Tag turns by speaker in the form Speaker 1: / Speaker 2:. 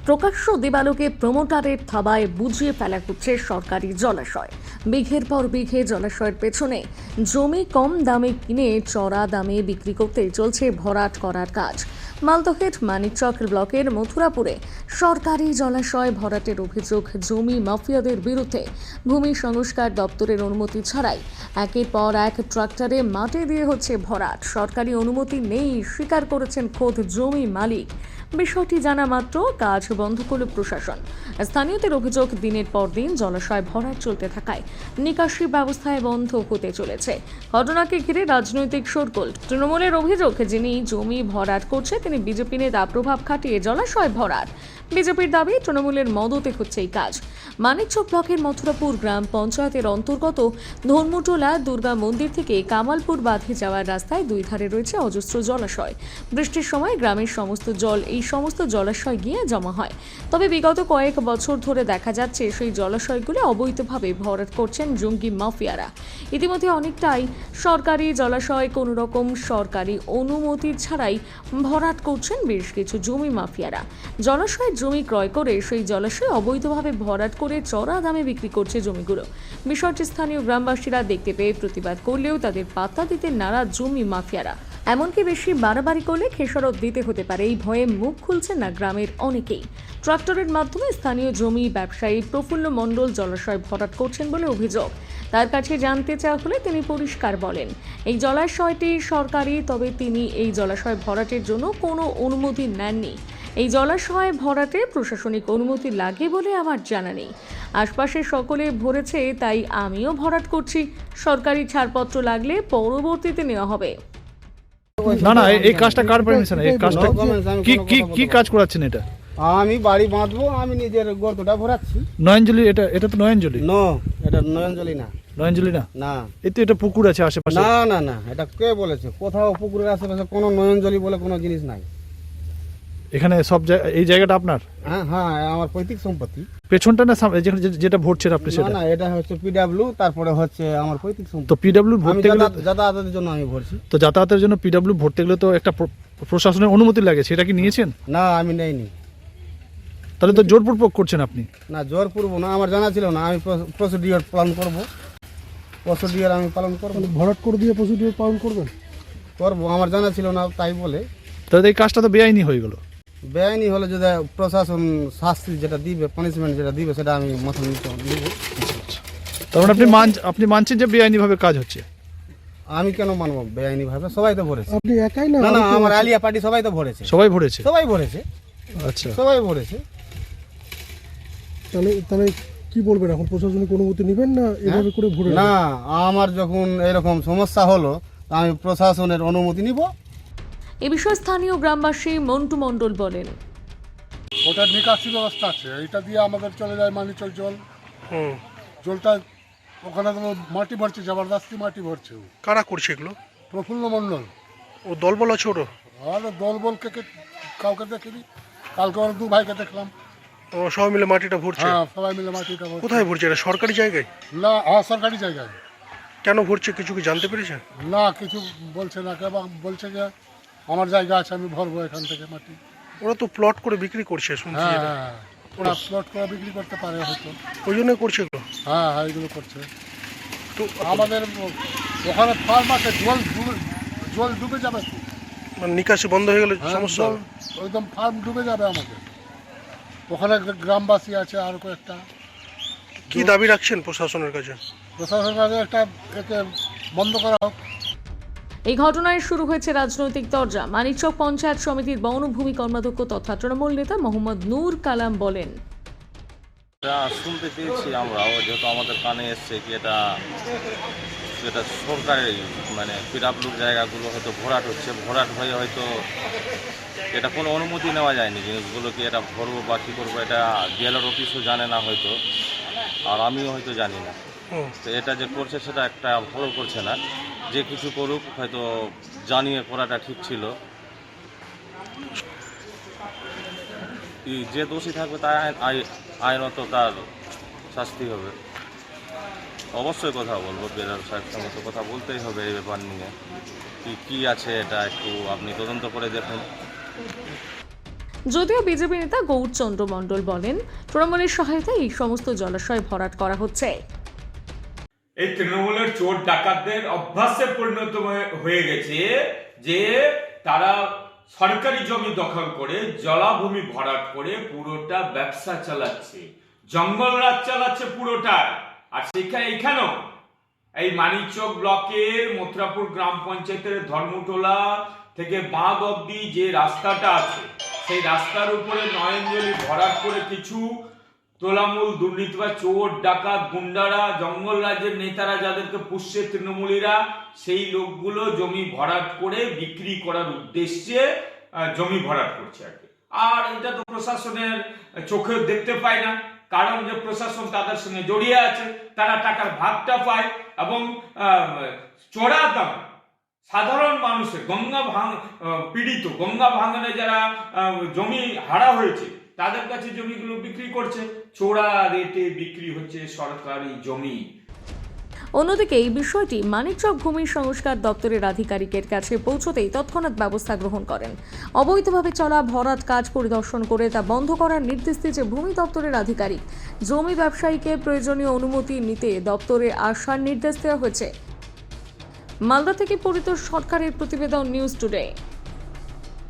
Speaker 1: প্রকাশ্য দেবালোকে প্রমোটারের থাবায় বুঝিয়ে ফেলা হচ্ছে সরকারি জলাশয়। বিঘের পর বিঘে জলাশয়ের পেছনে জমি কম দামে কিনে চড়া দামে বিক্রি করতে চলছে ভরাট করার কাজ। মালদহের মানিকচক ব্লকের মথুরাপুরে সরকারি জলাশয় ভরাটের অভিযোগ জমি মাফিয়াদের বিরুদ্ধে। ভূমি সংস্কার দপ্তরের অনুমতি ছাড়াই একের পর এক ট্রাক্টরে মাটি দিয়ে হচ্ছে ভরাট। সরকারি অনুমতি নেই স্বীকার করেছেন খোদ জমি মালিক। বিষয়টি জানা মাত্র কাজ বন্ধ করল প্রশাসন। স্থানীয়দের অভিযোগ, দিনের পর দিন জলাশয় ভরাট চলতে থাকায় নিকাশি ব্যবস্থায় বন্ধ হতে চলেছে। ঘটনাকে ঘিরে রাজনৈতিক শোরগোল। তৃণমূলের অভিযোগ, যিনি জমি ভরাট করছে তিনি বিজেপি নেতা প্রভাব খাটিয়ে জলাশয় ভরাট। বিজেপির দাবি তৃণমূলের মদতে হচ্ছে এই কাজ। মানিকচক ব্লকের মথুরাপুর গ্রাম পঞ্চায়েতের অন্তর্গত ধর্মটোলা দুর্গা মন্দির থেকে কামালপুর বাঁধে যাওয়ার রাস্তায় দুই ধারে রয়েছে অজস্র জলাশয়। বৃষ্টির সময় গ্রামের সমস্ত জল এই সমস্ত জলাশয় গিয়ে জমা হয়। তবে বিগত কয়েক বছর ধরে দেখা যাচ্ছে সেই জলাশয়গুলো অবৈধভাবে ভরাট করছেন জঙ্গি মাফিয়ারা। ইতিমধ্যে অনেকটাই সরকারি জলাশয় কোনো রকম সরকারি অনুমতি ছাড়াই ভরাট করছেন বেশ কিছু জমি মাফিয়ারা। জলাশয়ের জমি ক্রয় করে সেই জলাশয় অবৈধভাবে ভরাট করে চড়া দামে বিক্রি করছে জমিগুলো। বিষয়টি স্থানীয় গ্রামবাসীরা দেখতে পেয়ে প্রতিবাদ করলেও তাদের পাত্তা দিতে নারাজ জমি মাফিয়ারা। এমনকি বেশি বাড়াবাড়ি করলে খেসারত দিতে হতে পারে এই ভয়ে মুখ খুলছেন না গ্রামের অনেকেই। ট্রাক্টরের মাধ্যমে স্থানীয় জমি ব্যবসায়ী প্রফুল্ল মণ্ডল জলাশয় ভরাট করছেন বলে অভিযোগ। তার কাছে জানতে চাওয়া হলে তিনি পরিষ্কার বলেন, এই জলাশয়টি সরকারি, তবে তিনি এই জলাশয় ভরাটের জন্য কোনো অনুমতি নেননি। এই জলাশয় ভরাটে প্রশাসনিক অনুমতি লাগে বলে আমার জানা নেই। আশপাশে সকলে ভরেছে, তাই আমিও ভরাট করছি। সরকারি ছাড়পত্র লাগলে পরবর্তীতে নেওয়া হবে।
Speaker 2: না না, এই কাজটা কার পারমিশন? এই কাজটা কি কি কি কাজ করাচ্ছেন? এটা
Speaker 3: আমি বাড়ি বাঁধবো, আমি নিজের গর্তটা ভরাচ্ছি।
Speaker 2: নয়নজলি, এটা তো নয়নজলি।
Speaker 3: নো, এটা নয়নজলি না।
Speaker 2: নয়নজলি না?
Speaker 3: না,
Speaker 2: এতে এটা পুকুর আছে আশেপাশে।
Speaker 3: না না না, এটা কে বলেছে? কোথাও পুকুরের আশেপাশে কোনো নয়নজলি বলে কোনো জিনিস নাই।
Speaker 2: এখানে সব এই জায়গাটা আপনার?
Speaker 3: হ্যাঁ হ্যাঁ, আমার পৈতৃক সম্পত্তি।
Speaker 2: পেছনটা না যেটা ভরছেন আপনি
Speaker 3: না
Speaker 2: সেটা?
Speaker 3: না, এটা হচ্ছে পিডব্লিউ, তারপরে হচ্ছে আমার পৈতৃক সম্পত্তি।
Speaker 2: তো পিডব্লিউ ভরতে গেলে
Speaker 3: যাতায়াতের জন্য আমি ভরছি।
Speaker 2: তো যাতায়াতের জন্য পিডব্লিউ ভরতে গেলে তো একটা প্রশাসনের অনুমতি লাগে, সেটা কি নিয়েছেন?
Speaker 3: না, আমি নেইনি।
Speaker 2: তাহলে তো জোরপূর্বক করছেন আপনি।
Speaker 3: না, জোর পূর্ব না, আমার জানা ছিল না। আমি প্রসিডিওর পালন করব। প্রসিডিওর আমি পালন করব।
Speaker 4: ভরাট করে দিয়ে প্রসিডিওর পালন করবেন?
Speaker 3: করবো, আমার জানা ছিল না তাই বলে।
Speaker 2: তাহলে এই কাজটা তো বেআইনি হয়ে গেল।
Speaker 3: বেআইনি হলে যদি প্রশাসন শাস্তি যেটা দিবে, পানিশমেন্ট যেটা দিবে, সেটা আমি মাথা নিতে নিব।
Speaker 2: তার মানে আপনি মানছেন যে বেআইনি ভাবে কাজ হচ্ছে?
Speaker 3: আমি কেন মানবো বেআইনি ভাবে? সবাই তো ভরেছে।
Speaker 4: আপনি একাই না?
Speaker 3: না না, আমার আলিয়া পার্টি সবাই তো ভরেছে।
Speaker 2: সবাই ভরেছে?
Speaker 3: সবাই ভরেছে।
Speaker 2: আচ্ছা,
Speaker 3: সবাই ভরেছে।
Speaker 4: তাহলে কি বলবেন এখন? প্রশাসনিক অনুমতি নেবেন না এভাবে করে ভরে?
Speaker 3: না, আমার যখন এরকম সমস্যা হলো, আমি প্রশাসনের অনুমতি নিব।
Speaker 1: এ বিষয়ে স্থানীয় গ্রামবাসী মন্টু মণ্ডল বলেন,
Speaker 5: ওটার নিকাশি ব্যবস্থা আছে, এইটা দিয়ে আমাদের চলে যায় মানিকচক জল। জলটা ওখানে তো মাটি ভরছে, জবরদস্তি মাটি ভরছে।
Speaker 6: কারা করছে এগুলো?
Speaker 5: প্রফুল্ল মণ্ডল।
Speaker 6: ও দলবল আছে ওর?
Speaker 5: আর দল বলকে কাউকে দেখিনি, কালকে ওর দু ভাইকে দেখলাম।
Speaker 6: ও সবাই মিলে মাটিটা ভরছে?
Speaker 5: হ্যাঁ, সবাই মিলে মাটিটা ভরছে।
Speaker 6: কোথায় ভরছে? এটা সরকারি জায়গায়?
Speaker 5: না, হ্যাঁ, সরকারি জায়গায়।
Speaker 6: কেন ভরছে কিছু কি জানতে পেরেছেন?
Speaker 5: না, কিছু বলছে না, কেবল বলছে যে আমার জায়গা আছে, আমি ভরবো এখান থেকে মাটি।
Speaker 6: ওরা তো প্লট করে বিক্রি করছে শুনছি।
Speaker 5: হ্যাঁ
Speaker 6: এটা
Speaker 5: হ্যাঁ, ওরা প্লট করে বিক্রি করতে পারে হয়তো।
Speaker 6: ওই জন্যই করছে এগুলো?
Speaker 5: হ্যাঁ হ্যাঁ, এগুলো করছে।
Speaker 6: তো
Speaker 5: আমাদের ওখানে ফার্ম আছে, জল ডুবে যাবে তো।
Speaker 6: মানে নিকাশি বন্ধ হয়ে গেলে
Speaker 5: হ্যাঁ,
Speaker 6: সমস্যা হবে?
Speaker 5: একদম ফার্ম ডুবে যাবে আমাদের। ওখানে গ্রামবাসী আছে আর কয়েকটা।
Speaker 6: কি দাবি রাখছেন প্রশাসনের কাছে?
Speaker 5: প্রশাসনের কাছে একটা একে বন্ধ করা হোক।
Speaker 1: এই ঘটনায় শুরু হয়েছে রাজনৈতিক তরজা। মানিকচক পঞ্চায়েত সমিতির বনভূমি কর্মাধ্যক্ষ তথা তৃণমূল নেতা মোহাম্মদ নূর কালাম বলেন,
Speaker 7: এটা শুনতে চেয়েছি আমরাও, যেহেতু আমাদের কানে এসছে কি এটা সরকারি মানে পিডব্লিউর জায়গাগুলো হয়তো ভরাট হচ্ছে। ভরাট হয়ে হয়তো এটা কোনো অনুমতি নেওয়া যায়নি জিনিসগুলো, কি এটা ভরবো বা কী করবো, এটা ডিএলআর অফিসও জানে না হয়তো, আর আমিও হয়তো জানি না। তো এটা যে করছে সেটা একটা ভালো করছে না। যে কিছু করুক, হয়তো জানিয়ে করাটা ঠিক ছিল। যে দোষী থাকবে তার আইনত তার শাস্তি হবে। অবশ্যই কথা বলবো, বেরার সাহেবের সঙ্গে তো কথা বলতেই হবে এই ব্যাপার নিয়ে। কি আছে এটা একটু আপনি তদন্ত করে দেখুন।
Speaker 1: যদিও বিজেপি নেতা গৌরচন্দ্র মণ্ডল বলেন, তৃণমূলের সহায়তায় এই সমস্ত জলাশয় ভরাট করা হচ্ছে।
Speaker 8: এই তৃণমূলের চোর ডাকাতদের অভ্যাসে পরিণত হয়ে গেছে যে তারা সরকারি জমি দখল করে জলাভূমি ভরাট করে পুরোটা ব্যবসা চালাচ্ছে, জঙ্গল রাজ চালাচ্ছে পুরোটা। আর এখানেও এই মানিকচক ব্লকের মথুরাপুর গ্রাম পঞ্চায়েতের ধর্মটোলা থেকে বাঁধ অব্দি যে রাস্তাটা আছে, সেই রাস্তার উপরে নয়নজলি ভরাট করে কিছু তোলামূল দুর্নীতি বা চোর ডাকাত গুন্ডারা, জঙ্গল রাজ্যের নেতারা যাদেরকে পুষছে তৃণমূলীরা, সেই লোকগুলো জমি ভরাট করে বিক্রি করার উদ্দেশ্যে জমি ভরাট করছে আর কি। আর এটা তো প্রশাসনের চোখে দেখতে পায় না, কারণ যে প্রশাসন তাদের সঙ্গে জড়িয়ে আছে, তারা টাকার ভাগটা পায় এবং চড়া দাম সাধারণ মানুষের পীড়িত গঙ্গা ভাঙনে যারা জমি হারা হয়েছে তাদের কাছে জমিগুলো বিক্রি করছে, চোরা রেটে বিক্রি হচ্ছে সরকারি জমি।
Speaker 1: অন্যদিকে এই বিষয়টি মানিকচক ভূমি সংস্কার দপ্তরের আধিকারিকের কাছে পৌঁছতেই তৎক্ষণাৎ ব্যবস্থা গ্রহণ করেন। অবৈধভাবে চলা ভরাট কাজ পরিদর্শন করে তা বন্ধ করার নির্দেশ দিয়েছে ভূমি দপ্তরের আধিকারিক। জমি ব্যবসায়ীকে প্রয়োজনীয় অনুমতি নিতে দপ্তরে আসার নির্দেশ দেওয়া হয়েছে। মালদা থেকে পরিতোষ সরকারের প্রতিবেদন, নিউজ টুডে।